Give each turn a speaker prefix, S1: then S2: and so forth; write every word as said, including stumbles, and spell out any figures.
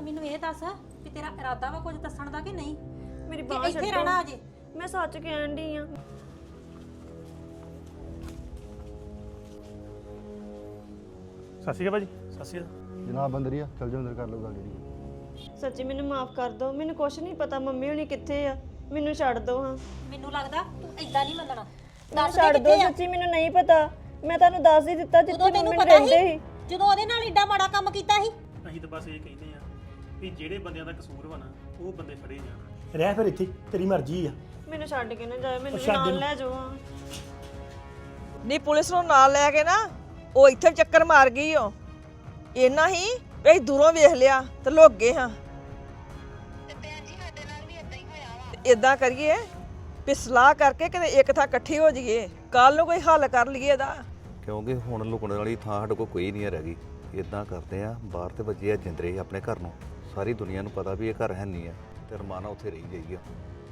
S1: ਮੈਨੂੰ ਇਹ ਦੱਸ ਕਿ ਤੇਰਾ ਇਰਾਦਾ ਵਾ ਕੁਝ ਦੱਸਣ ਦਾ ਕਿ ਨਹੀਂ?
S2: ਮੇਰੀ
S1: ਕਿ
S2: ਬਾਂਹ
S1: ਇੱਥੇ
S2: ਛੱਡੋ
S1: ਰਹਿਣਾ ਅਜੇ?
S2: ਮੈਂ ਸੱਚ ਕਹਿਣ ਡਈ ਆ
S3: ਸਤਿ ਸ਼੍ਰੀ ਅਕਾਲ ਭਾਜੀ। ਸਤਿ ਸ਼੍ਰੀ ਅਕਾਲ
S4: ਜਨਾਬ ਅੰਦਰ ਹੀ ਆ, ਚਲ ਜਾ ਅੰਦਰ ਕਰ ਲਓ ਗੱਲ ਜਿਹੜੀ।
S2: ਸੱਚੀ ਮੈਨੂੰ ਮਾਫ ਕਰ ਦਿਓ, ਮੈਨੂੰ ਕੁਛ ਨਹੀਂ ਪਤਾ ਮੰਮੀ ਹੁਣੀ ਕਿੱਥੇ ਆ, ਮੈਨੂੰ ਛੱਡ ਦਿਓ ਹਾਂ।
S1: ਮੈਨੂੰ ਲੱਗਦਾ ਤੂੰ ਏਦਾਂ ਨਹੀਂ ਮੰਨਣਾ।
S2: ਮੈਨੂੰ
S1: ਦੱਸ ਦੇ
S2: ਛੱਡ ਦਿਓ,
S1: ਕਿੱਥੇ ਆ?
S2: ਸੱਚੀ ਮੈਨੂੰ ਨਹੀਂ ਪਤਾ। ਮੈਂ ਤੁਹਾਨੂੰ ਦੱਸ ਹੀ ਦਿੱਤਾ
S1: ਉਦੋਂ
S2: ਜਿੱਥੇ
S1: ਤੈਨੂੰ
S2: ਮੰਮੀ
S1: ਪਤਾ
S2: ਰਹਿੰਦੇ
S1: ਸੀ
S2: ਸੀ।
S1: ਜਦੋਂ ਉਹਦੇ ਨਾਲ ਏਡਾ ਮਾੜਾ ਕੰਮ ਕੀਤਾ ਸੀ?
S3: ਅਸੀਂ ਤਾਂ ਬਸ ਇਹ ਕਹਿੰਦੇ ਆ ਵੀ ਜਿਹੜੇ ਬੰਦਿਆਂ ਦਾ ਕਸੂਰ ਵਾ ਨਾ ਉਹ ਬੰਦੇ ਫੜੇ ਜਾਣ। ਰਹਿ ਫਿਰ ਇੱਥੇ, ਤੇਰੀ ਮਰਜ਼ੀ ਆ।
S2: ਮੈਨੂੰ ਛੱਡ ਕੇ ਨਾ ਜਾਓ, ਮੈਨੂੰ ਵੀ
S3: ਛੱਡ
S2: ਨਾਲ
S3: ਇਹਨੂੰ।
S2: ਲੈ ਜਾਓ ਹਾਂ।
S5: ਨਹੀਂ ਪੁਲਿਸ ਨੂੰ ਨਾਲ ਲੈ ਕੇ ਨਾ ਉਹ ਇੱਥੇ ਚੱਕਰ ਮਾਰ ਗਈ ਓ। ਇੰਨਾ ਹੀ ਵੀ ਅਸੀਂ ਦੂਰੋਂ ਵੇਖ ਲਿਆ ਤੇ ਲੁੱਕ ਗਏ ਹਾਂ।
S6: ਤੇ ਭੈਣ ਜੀ ਸਾਡੇ ਨਾਲ ਵੀ ਇਦਾਂ ਹੀ ਹੋਇਆ ਵਾ।
S5: ਇਦਾਂ ਕਰੀਏ ਵੀ ਸਲਾਹ ਕਰਕੇ ਕਿਤੇ ਇੱਕ ਥਾਂ ਇਕੱਠੀ ਹੋ ਜਾਈਏ, ਕੱਲ ਨੂੰ ਕੋਈ ਹੱਲ ਕਰ ਲਈਏ ਇਹਦਾ।
S7: ਕਿਉਂਕਿ ਹੁਣ ਲੁਕਣ ਵਾਲੀ ਥਾਂ ਸਾਡੇ ਕੋਲ ਕੋਈ ਨਹੀਂ ਰਹਿ ਗਈ। ਇਦਾਂ ਕਰਦੇ ਆ, ਬਾਹਰ ਤੇ ਵੱਜੇ ਆ ਜਿੰਦਰੇ ਆਪਣੇ ਘਰ ਨੂੰ, ਸਾਰੀ ਦੁਨੀਆ ਨੂੰ ਪਤਾ ਵੀ ਇਹ ਘਰ ਹੈ ਨਹੀਂ ਆ ਤੇ ਰਮਾਨਾ ਉੱਥੇ ਰਹੀ ਜਾਈਏ।